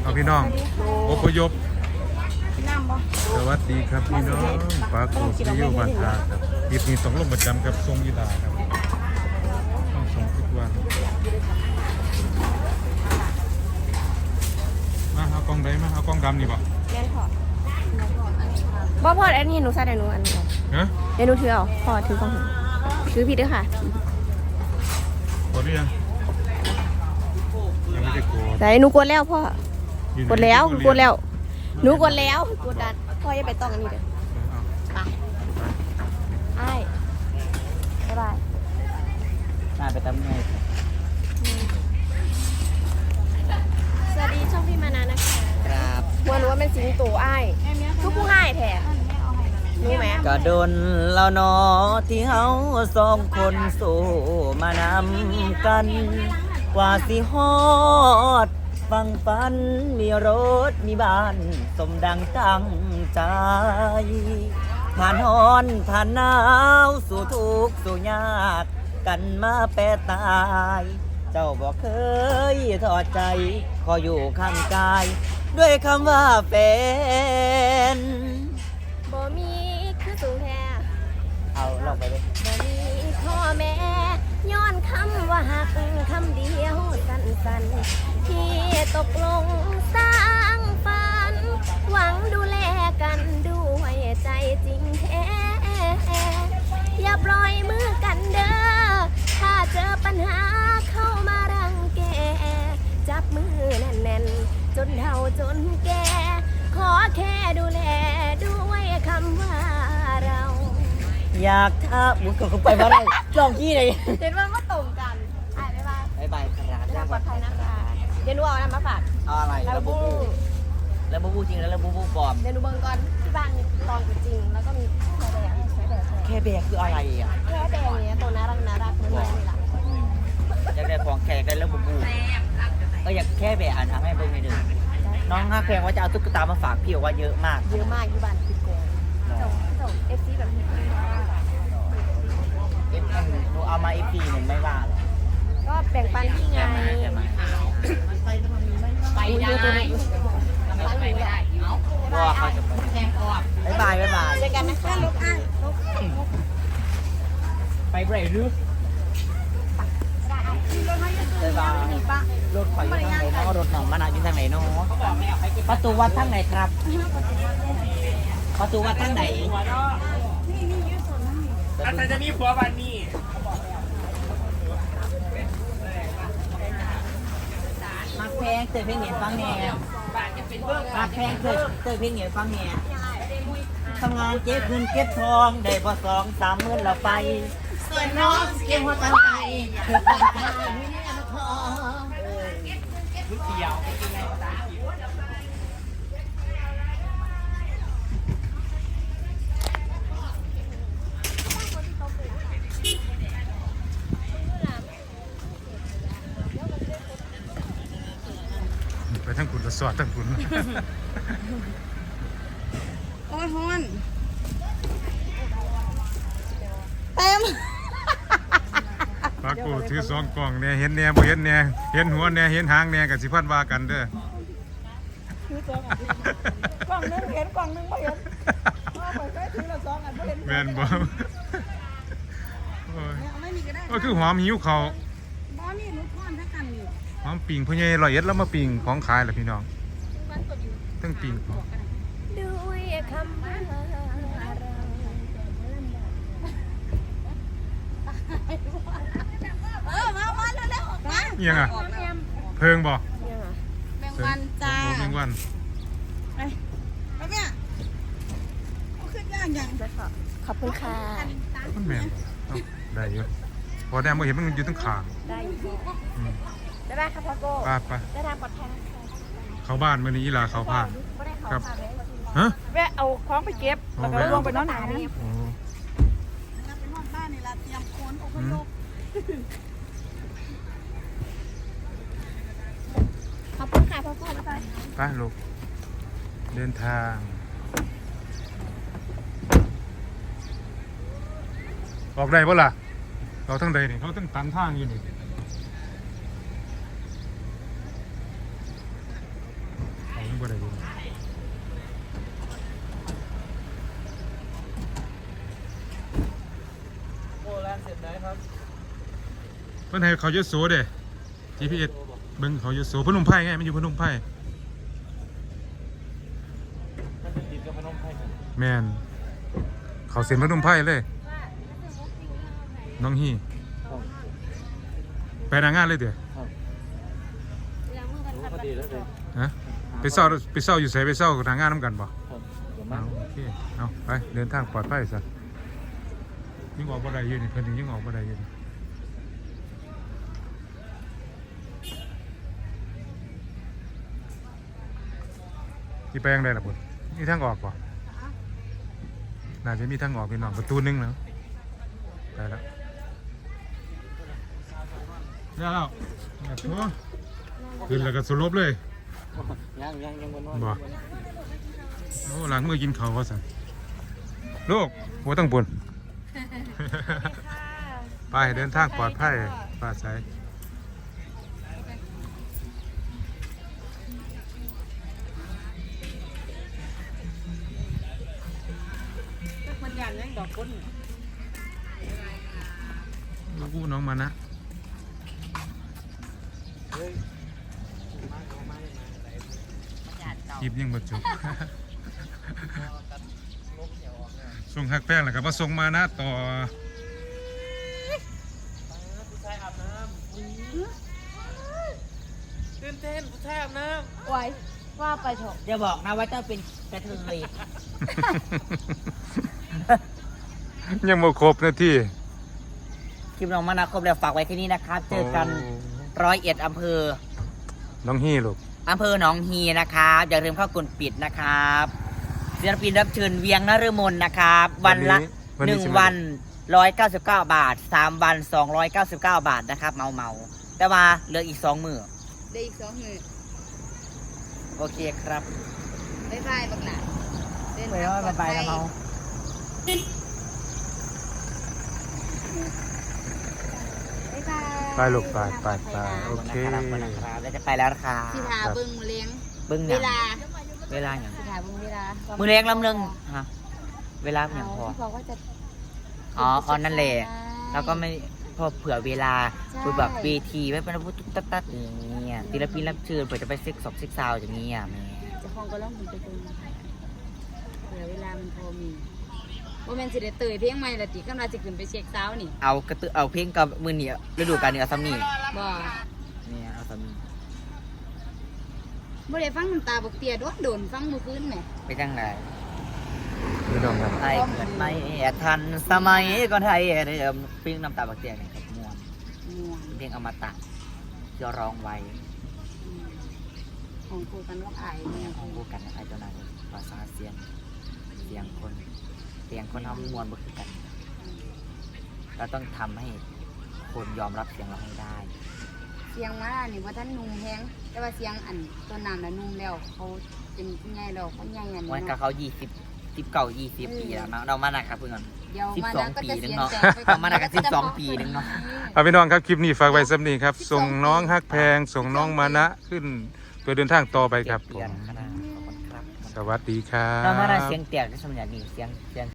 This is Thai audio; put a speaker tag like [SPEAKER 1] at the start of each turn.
[SPEAKER 1] เอาพี่น้องอพยพสวัสดีครับพี่น้องปากโกซิโยบานทาครับคลิปนี้ต้องลงประจำกับทรงยีดาครับต้องส่งทุกวันมาเอากล้องได้มาเอากล้องดำนี่บ่
[SPEAKER 2] แม่นพอบ่พออันนี้หนูใส่ได้หนูอันนี้
[SPEAKER 1] ฮะ
[SPEAKER 2] เดี๋ยวหนูถือเอาพอถือกล้องถือผิดด้วยค่ะ
[SPEAKER 1] กดหรือยังยังไม่ได้กด
[SPEAKER 2] แต่หนูกดแล้วพ่อกดแล้วกดแล้วหนูกดแล้วกดดันพ่ออย่าไปต้องอันนี้เด้อไปไอ้บ๊ายบาย
[SPEAKER 3] น่าไปทำไง
[SPEAKER 2] สวัสดีช่องพี่มานานะคะ
[SPEAKER 3] ครับ
[SPEAKER 2] วันรู้ว่าเป็นสิงโตไอ้ทุกผู้ให้แท้รู้ไหม
[SPEAKER 3] ก็โดนแล้วเนาะที่เฮาสองคนสู้มานำกัน กว่าสิฮอดฟังฝันมีรถมีบ้านสมดังตั้งใจผ่านฮ้อนผ่านหนาวสู่ทุกข์สู่ยากกันมาแปรตาย เจ้าบอกเคยทอดใจขออยู่ข้างกายด้วยคำว่าแฟน
[SPEAKER 2] บ่มีคือสูงแท้
[SPEAKER 3] เอาลองไปเลย
[SPEAKER 2] บ่มีพ่อแม่ย้อนคำว่าหักคำเดียวสั้นๆที่ตกลงสร้างฝันหวังดูแลกันด้วยใจจริงแท้อย่าปล่อยมือกันเด้อถ้าเจอปัญหาเข้ามารังแกจับมือแน่นๆจนเฒ่าจนแก่ขอแค่ดูแลด้วยคำว่าเรา
[SPEAKER 3] อยากท้าบุกเข้าไปมาเลยลองกี้เลย
[SPEAKER 2] เห็นว่าก็ตรงกันบ๊ายบาย
[SPEAKER 3] บ๊ายบายครับ
[SPEAKER 2] เดินทางปลอดภัยนะคะเดี๋ยวหนูเอาอะไรมาฝาก
[SPEAKER 3] เอาอะไรแล้วบูบูแล้วบูบูจริงแล้วบูบูปลอม
[SPEAKER 2] เดี๋ยวหนูเบิ่งก่อนที่บ้านมีตอนจริงแล้วก็มีแค่แบก
[SPEAKER 3] แค่แบกคืออะไรอ่ะ
[SPEAKER 2] แค่แบกเนี้ยตัวน่ารักเหมือนนี่แหละ
[SPEAKER 3] อยากได้ของแขกได้แล้วบูบูก็อยากแค่แบกอ่านทำให้เบิ่งในเดือนน้องฮักแพงว่าจะเอาตุ๊กตามาฝากพี่บอกว่าเยอะมาก
[SPEAKER 2] ที่บ้านคิดโกงเจ้าเอฟซีแบบนี้
[SPEAKER 3] หนูเอามาอีพีหนึ่งไม่ว่าหรอก
[SPEAKER 2] ก็แบ่งปันที่ไงไปได้
[SPEAKER 3] ก็เขาจะไปบ๊ายบาย
[SPEAKER 2] เจอกันนะคะลูกอ้าง
[SPEAKER 3] ไปเบรหรือบ๊ายบายรถข่อยอยู่ทางไหนเนาะรถหนองมะนาวอยู่ทางไหนเนาะประตูวัดทางไหนครับประตูวัดทางไหน
[SPEAKER 4] อาจารย์จะมีผัววันนี้
[SPEAKER 3] มักแพงเตยเพลงเหนียฟังแหน่มักแพงเตยเพลงเหนียฟังแหน่ทำงานเก็บเงินเก็บทองได้พอ2-3 มื้อเราไปส่วนน้องเก็บหัวใจ
[SPEAKER 1] ไปทั้งคุณละสอดทั้งคุณ
[SPEAKER 2] โอ้ยฮอนเต็ม
[SPEAKER 1] ปากโกถือ2กล่องเนี่ยเห็นแน่บ่เห็นแน่เห็นหัวแน่เห็นหางแน่กับสิพันว่ากันเด้
[SPEAKER 2] อกล่องนึงเห็นกล่องนึงไม่เห็นถือละ2อันไม่เห็น
[SPEAKER 1] แม่นบ่ก็คือหอมหิวเขา
[SPEAKER 2] บ่นี่หนูทอนทั้งกันนี่
[SPEAKER 1] หอมปิ่งพ่อใหญ่101แล้วมาปิ่งของขายล่ะพี่น้องทั้งปิ่ง
[SPEAKER 2] ด้วยคำว่ามาเร็วๆมา
[SPEAKER 1] ยังอ่ะเพิงบ่
[SPEAKER 2] แมงวันจ้า
[SPEAKER 1] แมงวัน
[SPEAKER 2] ไปเนี่ยเอาขึ้นย่างอย่างขอบคุณค่ะ
[SPEAKER 1] มันแม่นได้อยู่พอแดงบ่เห็นมันอยู่ตั้งขาง
[SPEAKER 2] ได้อยู่ได้ไหมครับพ่อโก้
[SPEAKER 1] ไป
[SPEAKER 2] ได้ทางปลอดภัย
[SPEAKER 1] เข้าบ้านมื้อนี้อีหลาเข้าบ้านครับฮะ
[SPEAKER 2] แวะเอาของไปเก็บแล้วก็ลงไปนอนหนานี่
[SPEAKER 1] โอ้
[SPEAKER 2] ไปนอนบ้านนี่ล่ะเตรียมโคนอพยพขอบคุณค่ะพ่อโก้
[SPEAKER 1] ไปลูกเดินทางออกได้บ่ล่ะเราทั้งใดนี่เขาทั้งตันทางอยู่นี่เพิ่นให้เขายโสเด้ GPS เบิ่งเขายโสพนมไพรไงมันอยู่พนมไพรแม่นเขาเซ็นพนมไพรเลยน้องฮีไปหน้างานเลยเด้อฮะไปเศร้าอยู่ไสไปเศร้าหน้างานนํกันบ่เอาโอเคเอาไปเดินทางปลอดภัยซะยิ่งออกบ่ได้อยู่นี่เพิ่นยิ่งออกบ่ได้อยู่นี่ที่ไปยังไงล่ะบุญมีทางออกป่ะน่าจะมีทางออกเป็นหนองประตูนึงแล้วไปแล้วแล้วขึ้นแล้วก็สลบเลย
[SPEAKER 3] ยังบนนอน
[SPEAKER 1] บ่โอ้หลังมือกินข้าวว่าสั่นลูกหัวตั้งบุญ ไปเดินทางปลอดภัยปลอดภัยลูกน้องมานะคลิปยังบ่จบ ส่งหักแป้งแล้วก็มาส่งมานะต่อ
[SPEAKER 4] ตื่นเต้นผู้ชายอาบน้
[SPEAKER 2] ไว้ว่าไปเถอะ
[SPEAKER 3] อย่าบอกนะว่าเจ้าเป็นกระเทย
[SPEAKER 1] ยังบ่ครบนาที
[SPEAKER 3] คลิปน้องมานาครบแล้วฝากไว้ที่นี่นะครับ เจอกัน101อำเภอ
[SPEAKER 1] น้องฮี่ลูก
[SPEAKER 3] อำเภอหนองฮีนะครับอย่าลืมเข้ากดปิดนะครับศิลปินรับเชิญเวียงนฤมลนะครับ วันละ1 วัน199 บาท3 วัน299 บาทนะครับเมาแต่ว่าเหลืออีก2 มื้อ
[SPEAKER 2] ได้อีก2 มื้อ
[SPEAKER 3] โอเคครับ
[SPEAKER 2] บ๊ายบายบักหลาเดิน
[SPEAKER 3] ไป
[SPEAKER 2] ทาง
[SPEAKER 3] แล้ว
[SPEAKER 2] ปลอด
[SPEAKER 3] ไป
[SPEAKER 2] ภัย
[SPEAKER 3] แล้วเมา
[SPEAKER 2] บ๊ายบาย
[SPEAKER 1] ไปลูกไปโอเค
[SPEAKER 3] นะครับแล้วจะไปแล้วนะครับ
[SPEAKER 2] สิทาเบิ่งเลี้ยง
[SPEAKER 3] เบิ้ง
[SPEAKER 2] เว
[SPEAKER 3] อย่าง
[SPEAKER 2] ลา
[SPEAKER 3] เวลาอย่าง
[SPEAKER 2] สิทาเบิ่งเวลา
[SPEAKER 3] มือเลี้ยงลำเรื่องฮะเวลาอย่างพอ
[SPEAKER 2] เขาบอกว่าจะ
[SPEAKER 3] อ๋อนั่นแหละแล้วก็ไม่พอเผื่อเวลา
[SPEAKER 2] ใช่
[SPEAKER 3] คือแบบเวทีไม่เป็นพูดตัดอย่างเงี้ยศิลปินรับเชิญเผื่อจะไปเซ็กซ์เซ็กซาวอย่างเงี้ยแม่
[SPEAKER 2] เจะคลองก็ร้องหุ่นไปตรงเผื่อเวลามันพอมีว่าแมนสิได้เตยเพียงใหม่ละติกำลังจะขึ้นไปเช็คเช้านี่
[SPEAKER 3] เอาเพลงกับมือเนี่ยฤดูกาลเนี่ยเอาซ้ำนี่
[SPEAKER 2] บ่
[SPEAKER 3] เนี่ยเอาซ้ำนี่
[SPEAKER 2] บ่ได้ฟังน้ำตาบกเตียโดนฟังเมื่อคืนแหม
[SPEAKER 3] ไปจังไร
[SPEAKER 1] ไม่ต้องครับ
[SPEAKER 3] ไทยเกิดไม่ทันสมัยก่อนไทยเดิมเพลงน้ำตาบักเตียงเนี่ยครับม่วน
[SPEAKER 2] ม่วง
[SPEAKER 3] เพลงอมตะที่ร้องไว้
[SPEAKER 2] ของครูกันว่าอายเนี่ย
[SPEAKER 3] ของคู่กันไอ้ตัวนั้นภาษาเสียงคนเสียงคนทำมวนบ่คือกันเราต้องทำให้คนยอมรับเสียงเราให้ได้
[SPEAKER 2] เสียงมานี่ว่าท่านนุ่มแฮงแต่ว่าเสียงอันตัวน้ำน่ะนุ่มแล้วเขาเป็นผู้ใหญ่แล้วเขาใหญ่อันนี้
[SPEAKER 3] วันกับ
[SPEAKER 2] เนาะ
[SPEAKER 3] เขา20 ปีแล้วเนาะเรามาหนักครับเพื่อน
[SPEAKER 2] เดี๋ยวมา
[SPEAKER 3] 12
[SPEAKER 2] นะก็จะ
[SPEAKER 3] ปีนึ
[SPEAKER 2] เสี
[SPEAKER 3] ง
[SPEAKER 2] ยง
[SPEAKER 3] เนาะ
[SPEAKER 2] แตกไป
[SPEAKER 3] เอามาหนักกัน12 ปีนึงเนาะ
[SPEAKER 1] เอาพี่น้องครับคลิปนี้ฝากไว้สำนีครับ ส่งน้องฮักแพง ส่งน้องมานะขึ้นเพื่อเดินทางต่อไปครับผ
[SPEAKER 3] เดือน
[SPEAKER 1] ม
[SPEAKER 3] ขนาดขอบคุณครับ
[SPEAKER 1] สวัสดีครับ
[SPEAKER 3] เรามาหนักเสียงแตกในสมัยนี้เสียง